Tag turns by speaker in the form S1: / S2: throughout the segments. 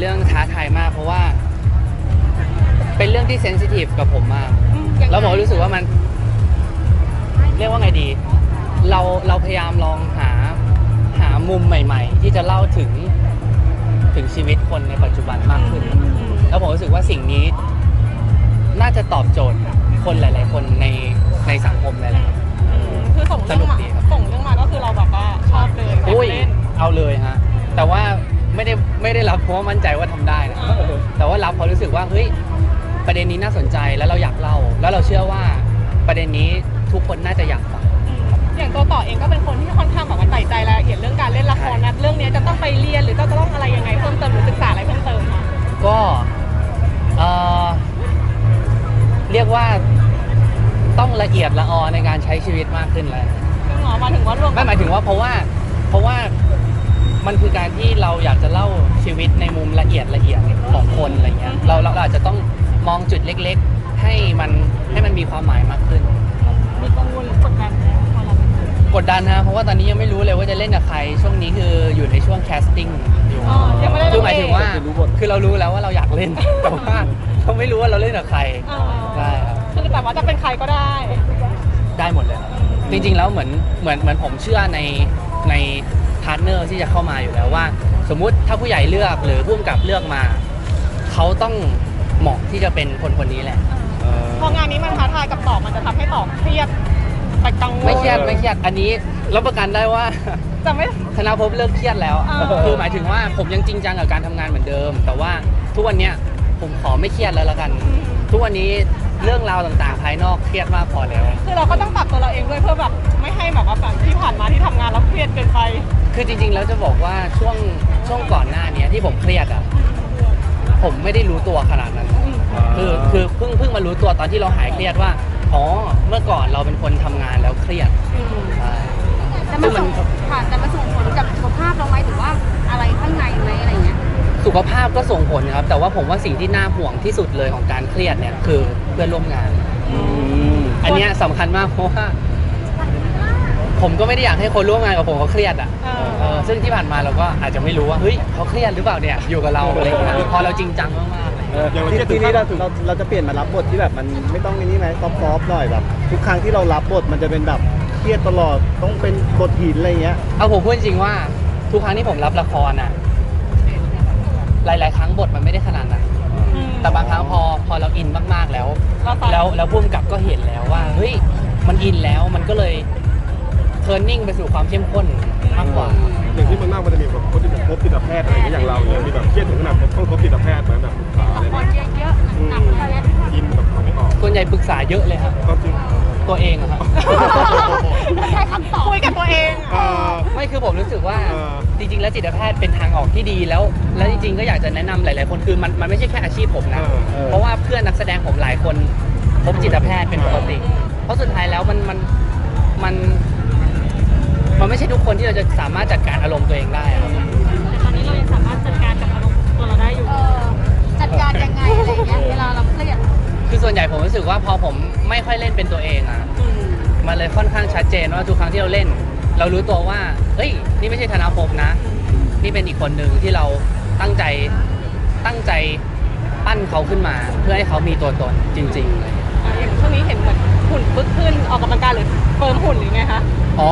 S1: เรื่องท้าทายมากเพราะว่าเป็นเรื่องที่เซนซิทีฟกับผมมากแล้วผมรู้สึกว่ามันเรียกว่าไงดีเราพยายามลองหามุมใหม่ๆที่จะเล่าถึงชีวิตคนในปัจจุบันมากขึ้นแล้วผมรู้สึกว่าสิ่งนี้น่าจะตอบโจทย์คนหลายๆคนในสังคมเลยแหละครับ
S2: คือส่งเรื่องมาก็คือเราแบบว่าชอบเลยเล่น
S1: เอาเลยฮะแต่ว่าไม่ได้รับเพราะว่ามั่นใจว่าทำได้นะแต่ว่ารับเพราะรู้สึกว่าเฮ้ยประเด็นนี้น่าสนใจแล้วเราอยากเล่าแล้วเราเชื่อว่าประเด็นนี้ทุกคนน่าจะอยากฟัง
S2: อย่างตัวต่อเองก็เป็นคนที่ค่อนข้างแบบว่าใส่ใจรายละเอียดเรื่องการเล่นละครนะเรื่องนี้จะต้องไปเรียนหรือจะต้องอะไรยังไงเพิ่มเติมหรือศึกษาอะไรเพิ่มเติมคะ
S1: ก็เรียกว่าต้องละเอียดละออในการใช้ชีวิตมากขึ้นเลย
S2: หมายถึงว่ารวม
S1: ไม่หมายถึงว่าเพราะว่ามันคือการที่เราอยากจะเล่าชีวิตในมุมละเอียดของคนอะไรเงี้ยเราอาจจะต้องมองจุดเล็กๆให้มันมีความหมายมากขึ้น
S2: มีกังวลหรือกดดันไหมพอเรา
S1: กดดันนะเพราะว่าตอนนี้ยังไม่รู้เลยว่าจะเล่นกับใครช่วงนี้คืออยู่ในช่วงแคสติ้งอยู่คือหมายถึงว่าคือเรารู้แล้วว่าเราอยากเล่นแต่ว่าเราไม่รู้ว่าเราเล่นกับใครใช่ครับ
S2: คือแต่ว่าจะเป็นใครก็ได้
S1: หมดเลยจริงๆแล้วเหมือนผมเชื่อในพาร์ทเนอร์ที่จะเข้ามาอยู่แล้วว่าสมมุติถ้าผู้ใหญ่เลือกหรือผู้กำกับเลือกมาเขาต้องเหมาะที่จะเป็นคนนี้แหละ
S2: พองานนี้มันท้าทายกับต่อมันจะทำให้ต่อเครียดไปกังวล
S1: ไม่เครียดอันนี้รับประกันได้ว่า
S2: จะไม่
S1: ธนภพเลิกเครียดแล้วคือหมายถึงว่าผมยังจริงจังกับการทำงานเหมือนเดิมแต่ว่าทุกวันนี้ผมขอไม่เครียดแล้วละกันทุกวันนี้เรื่องราวต่างๆภายนอกเครียดมากพอแล้ว
S2: คือเราก็ต้องปรับตัวเราเองด้วยเพื่อแบบไม่ให้แบบว่าแบบที่ผ่านมาที่ทำงานแล้วเครียดเกินไป
S1: คือจริงๆแล้วจะบอกว่าช่วงก่อนหน้านี้ที่ผมเครียดอ่ะผมไม่ได้รู้ตัวขนาดนั้นคือเพิ่งมารู้ตัวตอนที่เราหายเครียดว่าอ๋อเมื่อก่อนเราเป็นคนทำงานแล้วเครียดใช่
S3: แต่มาส่งผลกับสุขภาพเราไหมหรือว่าอะไรข้างในไหมอะไรเงี้ย
S1: สุขภาพก็ส่งผลครับแต่ว่าผมว่าสิ่งที่น่าห่วงที่สุดเลยของการเครียดเนี่ยคือเพื่อนร่วมงานอันนี้สำคัญมากเพราะว่าผมก็ไม่ได้อยากให้คนร่วมงานกับผมเขาเครียดอ่ะซึ่งที่ผ่านมาเราก็อาจจะไม่รู้ว่าเฮ้ยเขาเครียดหรือเปล่าเนี่ยอยู่กับเราอะไรอย่างเงี้ยพอเราจริงจังมากๆเลย
S4: ทีนี้เราจะเปลี่ยนมารับบทที่แบบมันไม่ต้องนี่ไหมซอฟๆหน่อยแบบทุกครั้งที่เรารับบทมันจะเป็นแบบเครียดตลอดต้องเป็นบทหินอะไรเงี้ย
S1: เอาผมพูดจริงว่าทุกครั้งที่ผมรับละครอ่ะหลายๆครั้งบทมันไม่ได้ขนาดนั้นแต่บางครั้งพอเราอินมากๆแล้วผู้กำกับก็เห็นแล้วว่าเฮ้ยมันอินแล้วมันก็เลยเทิร์นนิ่งไปสู่ความเข้มข้นมากกว่า
S4: อย่างที่มันจะมีแบบพบจิตแพทย์อะไรอย่างเราเนี่ยมีแบบเครียดถึงขนาดต้องพบจิตแพทย์แบบปรึกษาอะไร
S3: เยอะๆหนัก
S4: อินแบบไม่ออก
S1: ส่วนใหญ่ปรึกษาเยอะเลยครับตัวเองครับ
S3: ใช้คำตอบ
S2: คุยกับตัวเอง
S1: ไม่คือผมรู้สึกว่าจริงๆแล้วจิตแพทย์เป็นทางออกที่ดีแล้วจริงๆก็อยากจะแนะนำหลายๆคนคือมันไม่ใช่แค่อาชีพผมนะเพราะว่าเพื่อนนักแสดงผมหลายคนพบจิตแพทย์เป็นปกติเพราะสุดท้ายแล้วมันไม่ใช่ทุกคนที่เราจะสามารถจัดการอารมณ์ตัวเองได้ครับ
S2: แต่ตอนนี้เรายังสามารถจัดการกับอารมณ์ตัวเราได้อยู่
S3: จัดการยังไงอะไรเงี้ยเวลาเราเครียด
S1: คือส่วนใหญ่ผมรู้สึกว่าพอผมไม่ค่อยเล่นเป็นตัวเองอ่ะมันเลยค่อนข้างชัดเจนว่าทุกครั้งที่เราเล่นเรารู้ตัวว่าเฮ้ยนี่ไม่ใช่ธนภพนะนี่เป็นอีกคนหนึ่งที่เราตั้งใจปั้นเขาขึ้นมาเพื่อให้เขามีตัวตนจริงๆเลย
S2: อย่างช่วงนี้เห็นเหมือนหุ่นปึ๊กขึ้นออกกำลังกายหรือเฟิร์มหุ่นหรือไงคะ
S1: อ๋อ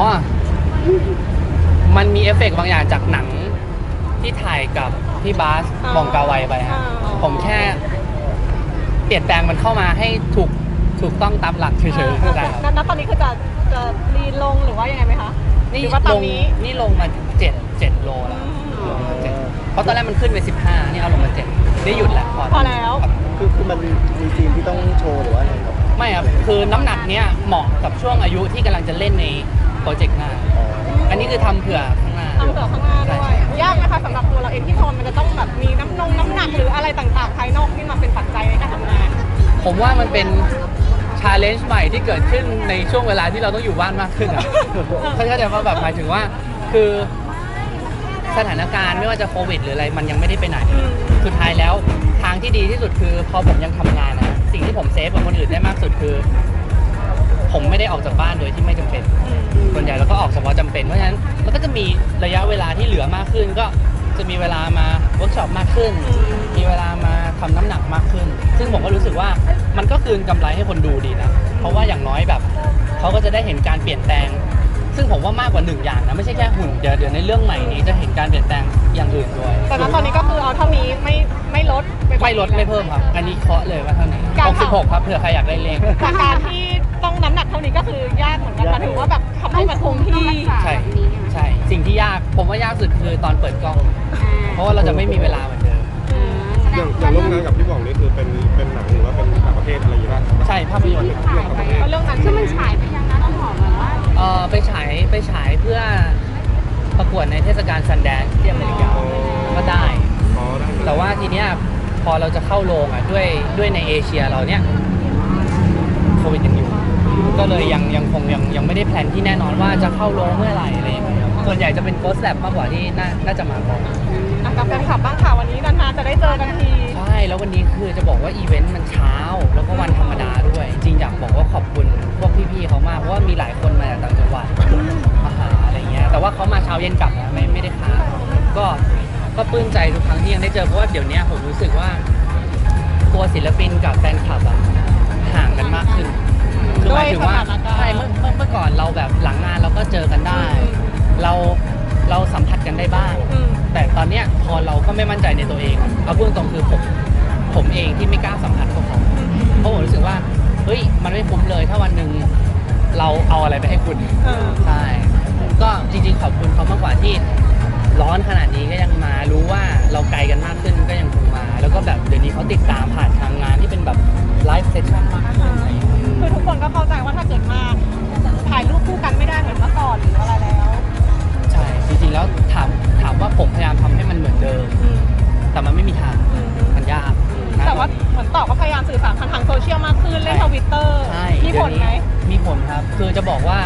S1: มันมีเอฟเฟกต์บางอย่างจากหนังที่ถ่ายกับพี่บาสบองกาไวไปฮะผมแค่เปลี่ยนแปลงมันเข้ามาให้ถูกต้องตามหลักเฉยๆ
S2: แล้วตอนนี้คือจะรีลงหรือว่ายังไงไหมคะ
S1: นี่ลงมา7 โลแล้วเพราะตอนแรกมันขึ้นไป15นี่เอาลงมา7ได้หยุดแล้ว
S2: พอแล้ว
S4: คือมันมีซีนที่ต้องโชว์หรือว่าอะไรครับ
S1: ไม่ครับคือน้ำหนักเนี้ยเหมาะกับช่วงอายุที่กำลังจะเล่นในโปรเจกต์หน้าอันนี้คือทำเผื่อข้างหน้า
S2: ด้วยยากนะคะสำหรับตัวเราเองที่มันจะต้องแบบมีน้ำหนักหรืออะไรต่างๆภายนอกที่มาเป็นปัจจัยในการทำงาน
S1: ผมว่ามันเป็นชาเลนจ์ใหม่ที่เกิดขึ้นในช่วงเวลาที่เราต้องอยู่บ้านมากขึ้นอ่ะเขาเข้าใจว่าแบบหมายถึงว่าคือสถานการณ์ไม่ว่าจะโควิดหรืออะไรมันยังไม่ได้ไปไหนสุดท้ายแล้วทางที่ดีที่สุดคือพอผมยังทำงานนะสิ่งที่ผมเซฟกับคนอื่นได้มากสุดคือผมไม่ได้ออกจากบ้านโดยที่ไม่จำเป็นส่วนใหญ่เราก็ออกเฉพาะจำเป็นเพราะฉะนั้นมันก็จะมีระยะเวลาที่เหลือมากขึ้นก็จะจะมีเวลามาเวิร์กช็อปมากขึ้น มีเวลามาทำน้ำหนักมากขึ้น ซึ่งผมก็รู้สึกว่ามันก็คืนกำไรให้คนดูดีนะ เพราะว่าอย่างน้อยแบบเขาก็จะได้เห็นการเปลี่ยนแปลง ซึ่งผมว่ามากกว่า1อย่างนะไม่ใช่แค่หุ่นเดี๋ยวในเรื่องใหม่นี้จะเห็นการเปลี่ยนแปลงอย่างอื่นด้วย
S2: แต่ณตอนนี้ก็คือเอาเท่านี้ไม่ลดปกว่า
S1: ไม่ลดไม่เพิ่มครับ อันนี้เคาะเลยว่าเท่านี้
S2: การทำ
S1: 66ครับเผื่อใครอยากได้เลข
S2: จากการที่ต้องน้ำหนักเท่านี้ก็คือยากเหมือนกันมาถึงว่าแบบทำให้มันคงที่
S1: ใช่ใช่สิ่งที่ยากผมว่ายากสุดคือตอนเปิดกล้อง เพราะว่าเราจะไม่มีเวลาเหมือนเดิม
S5: อย่างร่วมงานกับพี่บองนี่คือเป็นหนังหรือว่าเป็นต่างประเทศอะไรอย่างเงี้ย
S1: ใช่ภาพยนตร์
S2: เพราะเรื่องนั้น
S3: ซึ่งมันฉายไปยังนะต้องบอกเลยว่า
S1: ไปฉายเพื่อประกวดในเทศกาลซันแดนซ์ที่อเมริกาก็ได้
S5: อ๋อได้เลย
S1: แต่ว่าทีเนี้ยพอเราจะเข้าโรงอ่ะด้วยในเอเชียเราเนี้ยโควิดยังอยู่ ก็เลยยังคงยังไม่ได้แพลนที่แน่นอนว่าจะเข้าโรงเมื่อไหร่อะไรอย่างเงี้ยครับส่วนใหญ่จะเป็น Ghost Lab มากกว่าที่น่าจะมาก่อน
S2: กับแฟนคลับบ้างค่ะวันนี้นานๆจะได้เจอกันที
S1: ใช่แล้ววันนี้คือจะบอกว่าอีเวนต์มันเช้าแล้วก็วันธรรมดาด้วย จริงอยากบอกว่าขอบคุณพวกพี่ๆเขามากเพราะว่ามีหลายคนมาจากต่างจังหวัดมาหาอะไรเงี้ยแต่ว่าเขามาเช้าเย็นกลับนะไม่ได้ค้างก็ปลื้มใจทุกครั้งที่ยังได้เจอเพราะว่าเดี๋ยวนี้ผมรู้สึกว่าตัวศิลปินกับแฟนคลับอะห่างกันมากขึ้นคือหมายถึงว่าใช่เมื่อก่อนเราแบบหลังงานเราก็เจอกันได้ เราสัมผัสกันได้บ้าง แต่ตอนเนี้ยพอเราก็ไม่มั่นใจในตัวเองเอาพูดตรงๆคือผมเองที่ไม่กล้าสัมผัสพวกเขาเพราะผมรู้สึกว่าเฮ้ยมันไม่คุ้มเลยถ้าวันหนึ่งเราเอาอะไรไปให้คุณใช่ก็จริงๆขอบคุณเขามากกว่าที่ร้อนขนาดนี้ก็ยังมารู้ว่าเราไกลกันมากขึ้นก็ยังคงมา แล้วก็แบบเดี๋ยวนี้เขาติดตามผ่านทางงานที่เป็นแบบไลฟ์เซสชั่นมากขึ้นอะไรอย่างเงี้ย
S2: คือทุกคนก็เข้าใจว่าถ้าเกิดมาถ่ายรูปคู่กันไม่ได้เหมือนเมื่อก่อนหรืออะไรแล้ว
S1: ใช่จริงๆแล้วถามว่าผมพยายามทำให้มันเหมือนเดิม แต่มันไม่มีทางมันยากนะ
S2: แต่ว่าเหมือนต่อก็พยายามสื่อสารทางโซเชียลมากขึ้นเล่นทวิตเตอร์
S1: ใช่
S2: มีผลไหม
S1: เดี๋ยวนี้มีผลครับ คือจะบอกว่า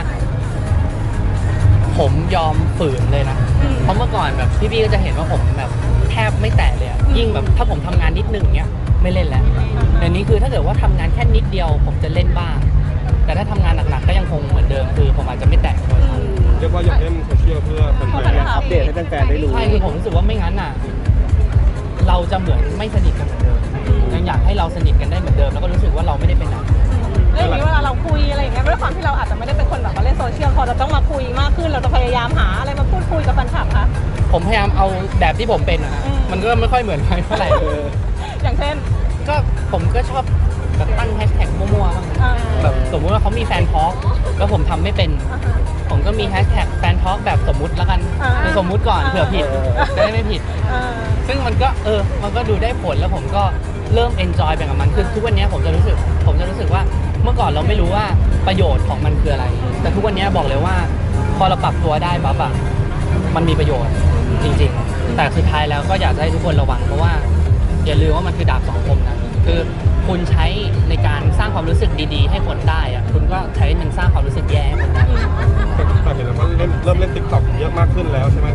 S1: ผมยอมฝืนเลยนะ เพราะเมื่อก่อนแบบพี่ๆก็จะเห็นว่าผมแบบแทบไม่แตะเลยอะยิ่งแบบถ้าผมทำงานนิดนึงเนี้ยไม่เล่นแล้วเดี๋ยวนี้คือถ้าเกิดว่าทำงานแค่นิดเดียว ผมจะเล่นบ้าง แต่ถ้าทำงานหนักๆก็ยังคงเหมือนเดิมคือผมอาจจะไม่แตะโทรศัพท์
S5: เรียกว่าอยากเล่นโซเชียลเพื่อเป็นแฟน
S4: อัปเดตให้แฟนๆได้รู้
S1: ใช่คือผมรู้สึกว่าไม่งั้นอ่ะ เราจะเหมือนไม่สนิทกันเหมือนเดิมยังอยากให้เราสนิทกันได้เหมือนเดิมแล้วก็รู้สึกว่าเราไม่ได้เป็นหนัก
S2: เรื่องนี้เวลาเราคุยอะไรอย่างเงี้ยด้วยความที่เราอาจจะไม่ได้เป็นคนแบบว่าเล่นโซเชียลพอเราต้องมาคุยมากขึ้นเราจะพยายามหาอะไรมาพูดคุยกับแฟนคลับคะ
S1: ผมพยายามเอาแบบที่ผมเป็นอะฮะมันก็ไม่ค่อยเหมือนใครเท่าไหร่
S2: อย่างเช่น
S1: ก็ผมก็ชอบแบบตั้งแฮชแท็กมั่วๆบ้าง แบบสมมุติว่าเขามีแฟนทอล์กแล้วผมทำไม่เป็น ผมก็มีแฮชแท็กแฟนทอล์กแบบสมมุติแล้วกันคือสมมุติก่อนเผื่อผิดจะได้ไม่ผิด ซึ่งมันก็มันก็ดูได้ผลแล้วผมก็เริ่มเอนจอยไปกับมันคือทุกวันนี้ผมจะรู้สึกว่าเมื่อก่อนเราไม่รู้ว่าประโยชน์ของมันคืออะไร แต่ทุกวันนี้บอกเลยว่าพอเราปรับตัวได้ปั๊บอะมันมีประโยชน์จริงๆ แต่สุดท้ายแล้วก็อยากจะให้ทุกคนระวังเพราะว่าอย่าลืมว่ามันคือดาบสองคมนะคือคุณใช้ในการสร้างความรู้สึกดีๆ ให้คนได้อะคุณก็ใช้มันสร้างความรู้สึกแย่ให้คนได้
S5: แต่เห็นแล้วว่าเริ่มเล่นติ๊กต็อกเยอะมากขึ้นแล้วใช่ไหม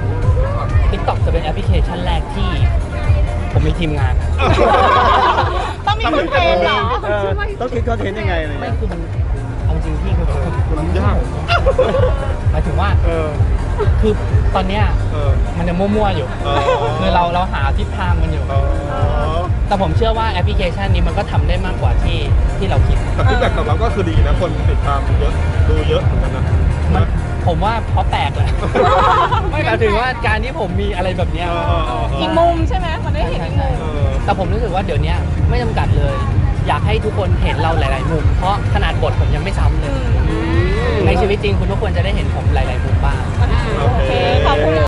S1: TikTok จะเป็นแอปพลิเคชันแรกที่ผมมีทีมงาน
S2: ต้องมีคนเทรนเหรอ
S4: ต้องคิดคอนเทนต์ยังไงอะไร
S1: ไม่
S4: เงี้ย
S1: คือมันเอาจริงพี่คือ
S5: มันยาก
S1: หมายถึงว่า คือตอนเนี้ยมันจะมั่วๆอยู่ คือเราหาทิศทางมันอยู่ แต่ผมเชื่อว่าแอปพลิเคชันนี้มันก็ทำได้มากกว่าที่เราคิด
S5: แต่ฟีดแบ็กตอบรับก็คือดีนะคนติดตามเยอะดูเยอะเหมือนกันนะ
S1: ผมว่าเพราะแปลกแหละ ไม่หมายถึงว่าการที่ผมมีอะไรแบบเนี้ย
S2: อีกมุมใช่ไหมมันได้เห็นอีกมุม
S1: แต่ผมรู้สึกว่าเดี๋ยวนี้ไม่จำกัดเลย อยากให้ทุกคนเห็นเราหลาย ๆ มุม เพราะขนาดบทผมยังไม่ซ้ำเลย ในชีวิตจริงคุณทุกคนจะได้เห็นผมหลาย ๆ มุมบ้าง
S2: โอเค ขอบคุณ